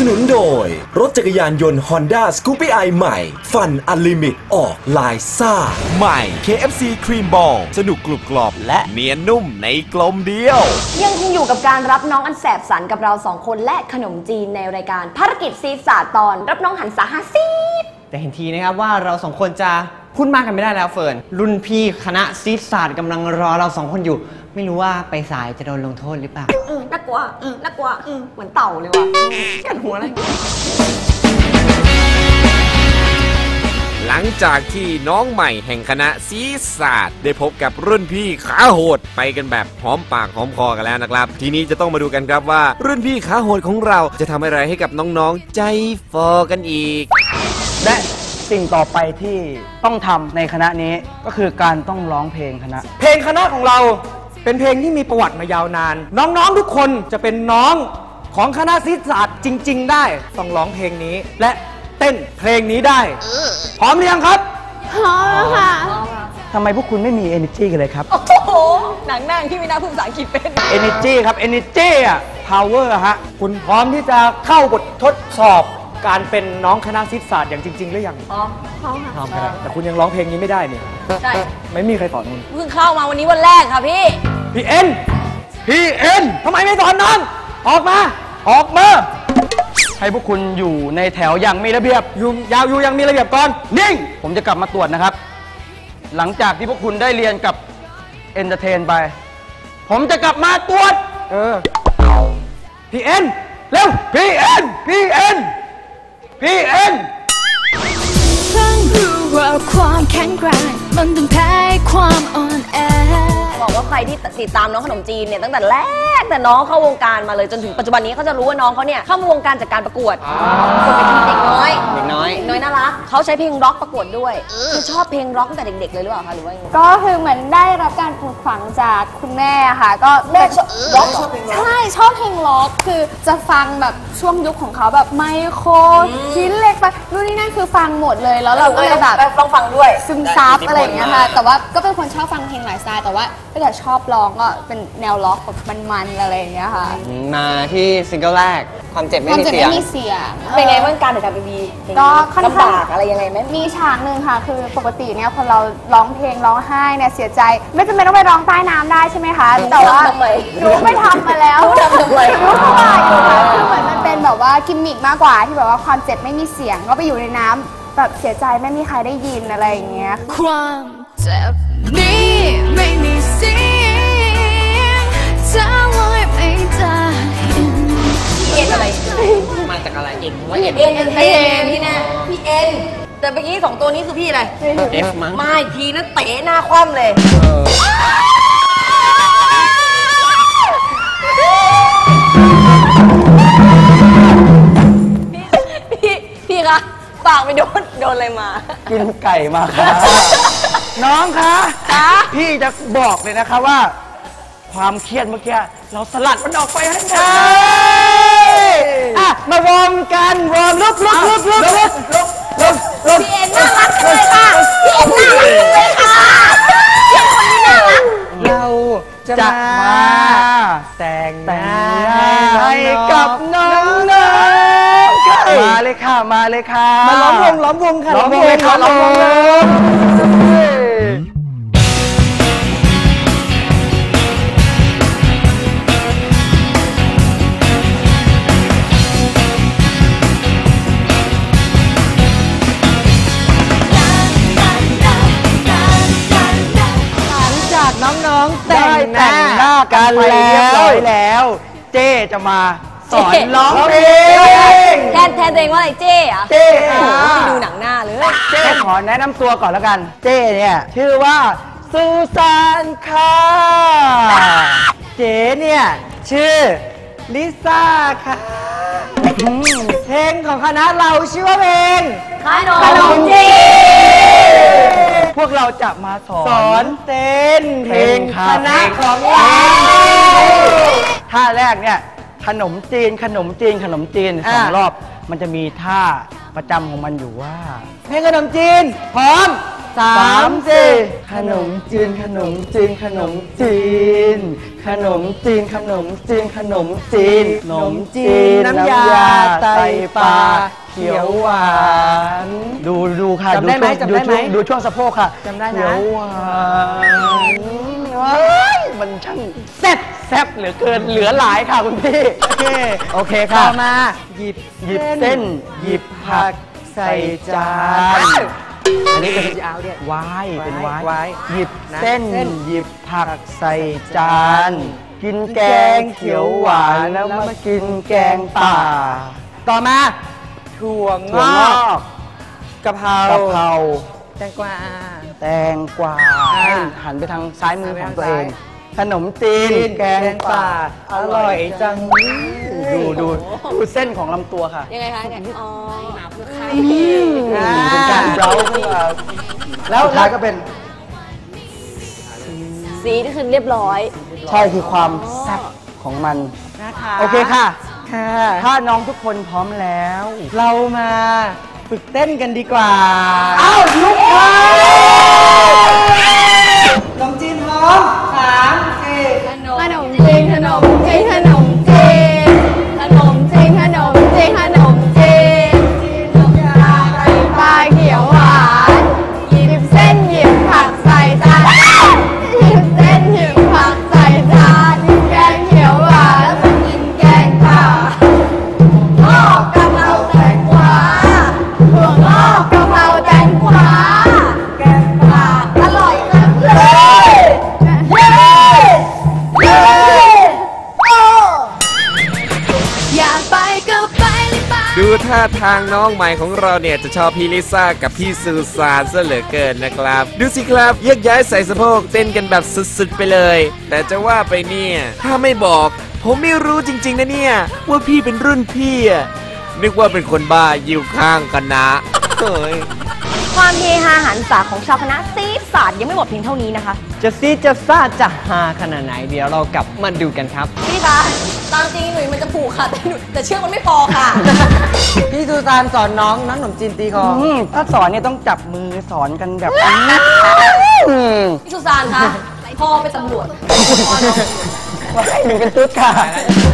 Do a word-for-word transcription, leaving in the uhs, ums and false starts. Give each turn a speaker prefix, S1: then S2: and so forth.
S1: นุนโดยรถจักรยานยนต์ Honda Scoopy i ใหม่ฟันอันลิมิตออกลายซ่าใหม่ เค เอฟ ซี ครีมบอลสนุกกรุบกรอบและเนียนนุ่มในกลมเดียว
S2: ยังคงอยู่กับการรับน้องอันแสบสันกับเราสองคนและขนมจีนในรายการภารกิจซีศาสตร์ตอนรับน้องหันษาฮาซีด
S3: แต่เห็นทีนะครับว่าเราสองคนจะพูดมากกันไม่ได้แล้วเฟิร์นรุ่นพี่คณะซีศาสตร์กำลังรอเราสองคนอยู่ไม่รู้ว่าไปสายจะโดนลงโทษหรือเปล่า
S2: อืมน่ากลัวอืมน่ากลัวอืมเหมือนเต่าเลยว่ะกัดหัวเลย
S4: หลังจากที่น้องใหม่แห่งคณะซีศาสตร์ได้พบกับรุ่นพี่ขาโหดไปกันแบบหอมปากหอมคอกันแล้วนะครับทีนี้จะต้องมาดูกันครับว่ารุ่นพี่ขาโหดของเราจะทำอะไรให้กับน้องๆใจฟอกันอีก
S5: และสิ่งต่อไปที่ต้องทำในคณะนี้ก็คือการต้องร้องเพลงคณะ
S3: เพลงคณะของเราเป็นเพลงที่มีประวัติมายาวนานน้องๆทุกคนจะเป็นน้องของคณะศิลปศาสตร์จริงๆได้ต้องร้องเพลงนี้และเต้นเพลงนี้ได้พร้อมหรือยังครับ
S2: พร้อมค่ะ
S5: ทำไมพวกคุณไม่มี energy กันเลยครับ
S2: โอ้โหหนังนั่งที่ไม่น่าพูดภาษาอังกฤษเป็น
S5: energy ครับ energy อะ power ฮะ
S3: คุณพร้อมที่จะเข้าบททดสอบการเป็นน้องคณะศิลปศาสตร์อย่างจริงๆหรือยัง
S2: พร้อมพร้อมค่ะ
S3: พร้อมครับแต่คุณยังร้องเพลงนี้ไม่ได้นี่
S2: ใช่
S3: ไม่มีใครสอนคุณ
S2: เพิ่งเข้ามาวันนี้วันแรกค่ะพี่
S3: พี่เอ็นพี่เอ็นทำไมไม่สอนน้องออกมาออกมา
S5: ให้พวกคุณอยู่ในแถวอย่างมีระเบียบ
S3: อยู่ยาวอยู่ยังมีระเบียบก่อนนิ่ง
S5: ผมจะกลับมาตรวจนะครับหลังจากที่พวกคุณได้เรียนกับเอนเตอร์เทนไปผมจะกลับมาตรวจ
S3: เออพี่เอ็นเร็วพี่เอ็นพี่เอ็นพี่เอ็น
S6: เพิ่งรู้ว่าความแข็งแกร่งมันต้องแพ้ความอ่อนแอ
S2: บอกว่าใครที่ติดตามน้องขนมจีนเนี่ยตั้งแต่แรกแต่น้องเข้าวงการมาเลยจนถึงปัจจุบันนี้เขาจะรู้ว่าน้องเขาเนี่ยเข้ามาวงการจากการประกวดคนเป็นเด็กน้อย
S3: เด็กน้อย
S2: น้อยน่ารักเขาใช้เพลงร็อกประกวดด้วยคือชอบเพลงร็อกตั้งแต่เด็กๆเลยหรือเปล่าคะหรือว่า
S7: ก็คือเหมือนได้รับการปลูกฝังจากคุณแม่ค่ะก็
S2: แม่ชอบร็อก
S7: ใช่ชอบเพลงร็อกคือจะฟังแบบช่วงยุคของเขาแบบไมโครชิ้นเล็กไปนู่นนี่นั่นคือฟังหมดเลยแล้วเราก็เลยแบบ
S2: ต้องฟังด้วย
S7: ซึมซับอะไรอย่างเงี้ยค่ะแต่ว่าก็เป็นคนชอบฟังเพลงหลายสไตล์แต่ว่าถ้าเกิดชอบร้องก็เป็นแนวล็อกแบบมันๆอะไรอย่างเงี้ยค่ะ
S3: มาที่ซิงเกิลแรกความเจ็บไม่มีเสียง
S7: ไม่มีเสียง
S2: เป็นไงบ้างการถ่ายทำ เอ็ม วี
S7: ก็ค่อน
S2: ข้างลำบากอะไรยังไงไหม
S7: มีฉากหนึ่งค่ะคือปกติเนี่ยพอเราร้องเพลงร้องไห้เนี่ยเสียใจไม่จำเป็นต้องไปร้องใต้น้ำได้ใช่ไหมคะแต่ว่าหนูไม่ทำมาแล้ว
S2: ทำทำไม
S7: หนูก็ว่าอยู่ค่ะคือเหมือนมันเป็นแบบว่ากิมมิกมากกว่าที่แบบว่าความเจ็บไม่มีเสียงก็ไปอยู่ในน้ำแบบเสียใจไม่มีใครได้ยินอะไรอย่างเงี้ย
S6: ความเจ็บนี้ไม่มีเสียงจะลอยไม่ได้
S2: เอ็นอะไร
S3: มาจากอะไรเอ็น
S2: ว่าเอ็นเอ็นเอ็นพี่แน่พี่เอ็นแต่เมื่อกี้สองตัวนี้คือพี่อะไร
S3: เอฟมั้ง
S2: ไม่ทีนั้นเตะหน้าคว่ำเลยพี่พี่คะปากไปโดนโดนอะไรมา
S5: กินไก่มาค่ะน้องคะพี่จะบอกเลยนะคะว่าความเครียดเมื่อกี้เราสลัดมันออกไปให้ได้อ่ะมาวอร์มกันวอร์มลุกลุกลุกลุกลุกลุกลุกลุก
S2: พี่เอ็นน่ารักจังเลยค่ะพี่เอ็นน่ารักจังเลยค่ะพี่คนนี้น่ารัก
S3: เราจะมาแต่งงาน
S5: ให้กับน้องน้องมาเลยค่ะมาเลยค่ะ
S3: มาล้อมวงล้อมวงค่ะ
S5: ล้อมวงเลยค่ะล้อมวงเลย
S3: น้องๆแต่งหน้า
S5: กันแล้วแล้วเจ๊จะมาสอนร้องเพลง
S2: แทนแทนตัวเองว่าอะไรเจ๊อะ
S5: เจ๊
S2: ที่ดูหนังหน้าเลย
S5: เจ๊ขอแนะนำตัวก่อนแล้วกันเจ๊เนี่ยชื่อว่าซูซานค่ะเจ๊เนี่ยชื่อลิซ่าค่ะเพลงของคณะเราชื่อว่าเพลง
S2: ขนมจีน
S5: พวกเราจะมาสอนสอนเต้นเพลงคณะของเราท่าแรกเนี่ยขนมจีนขนมจีนขนมจีนสองรอบมันจะมีท่าประจำของมันอยู่ว่า
S3: เพลงขนมจีน พร้อมสา
S5: สาม ม
S3: สี่
S5: สี่ขนมจีนขนมจีนขนมจีน ขนมจีนขนมจีนขนมจีนขนมจีนน้ำยาไตปลาเขียวหวานดูดูค่ะ
S3: จำได้ไหม
S5: ช่วง
S3: จำได้ไหม
S5: ดูช่วงสะโพกค่ะ
S3: จำได้นะ
S5: เขียวหวานว้ายมันช่างแซ่บแซ่บเหลือเกินเหลือหลายค่ะคุณพี่โอเคโอเค
S3: ต่
S5: ค่ะ
S3: อมาหยิบ
S5: หยิบเส้นหยิบผักใส่จาน
S3: อันนี้เป็นยาวเนี่ยว
S5: ายเป็นวาย
S3: ว้าย
S5: หยิบ
S3: นะ
S5: เส้น
S3: เส้น
S5: หยิบผักใส่จาน กินแกงเขียวหวานแล้วมากินแกงป่า
S3: ต่อมาถั่วง
S5: ถั่ว
S3: อง
S5: อก ก
S3: กะเพราก
S5: ะเพรา
S3: แตงกวา
S5: แตงกวา
S3: อ่า
S5: ให้หันไปทางซ้ายมือ
S3: หั
S5: ข
S3: น
S5: อง
S3: ไป
S5: ตัว
S3: ทาง
S5: เอ
S3: ซ้าย
S5: ง ขนมจีน
S3: จีน
S5: แกงป่า
S3: แกงป่า
S5: อร่อยจังดูดูดูเส้นของลำตัวค่ะ
S2: ยังไงคะเนี่ยอ๋อ
S5: อืมเป็นการเย้าขึ้นมา
S3: แล้ว
S5: สุดท้ายก็เป็น
S2: สีนี่คือเรียบร้อย
S5: ใช่คือความแซ่บของมัน
S3: นะคะ
S5: โอเคค่ะ
S3: ค่ะ
S5: ถ้าน้องทุกคนพร้อมแล้ว
S3: เรามาฝึกเต้นกันดีกว่า
S5: อ้าวลุกค่ะ
S3: ขนมจีนพร้อมสามสี่
S7: ขนมจีนขนมจีนขนมจีนขนมจีนขนมจีนขนมจีนน้ำยาไตปลาเขียวหวานหยิบเส้นหยิบผักใส่จานหยิบเส้นหยิบผักใส่จานแกงเขียวหวานแล้วมากินแกงป่างอกกะเพราแตงกวาถั่วงอกกะเพราแตงกวาแกงป่าอร่อยจังเลยเย้เย้โอ้อยากไปก็ไปเลยไป
S4: ดูท่าทางน้องใหม่ของเราเนี่ยจะชอบพี่ลิซ่ากับพี่ซูซานซะเหลือเกินนะครับ ดูสิครับแยกย้ายใส่สะโพกเต้นกันแบบสุดๆไปเลย แต่จะว่าไปเนี่ยถ้าไม่บอก ผมไม่รู้จริงๆนะเนี่ยว่าพี่เป็นรุ่นพี่อะนึกว่าเป็นคนบ้าอยู่ข้างกันนะเฮ้ย
S2: ความเฮฮาหันษาของชาวคณะซีดศาสตร์ยังไม่หมดเพียงเท่านี้นะคะ
S3: จะซีดจะซ่าจะฮาขนาดไหนเดี๋ยวเรากลับมาดูกันครับ
S2: พี่คะตามจริงหนุ่ยมันจะผูกค่ะแต่หนุ่ยแต่เชือกมันไม่พอค่ะ
S3: พี่ซูซานสอนน้องน้องขนมจีนตีคอ
S5: อืมถ้าสอนเนี่ยต้องจับมือสอนกันแบบนี้อืม
S2: พี่สุซานคะพ่อเป็นตำรวจ
S5: ว่าให้หนูเป็นตุ๊ดค่ะ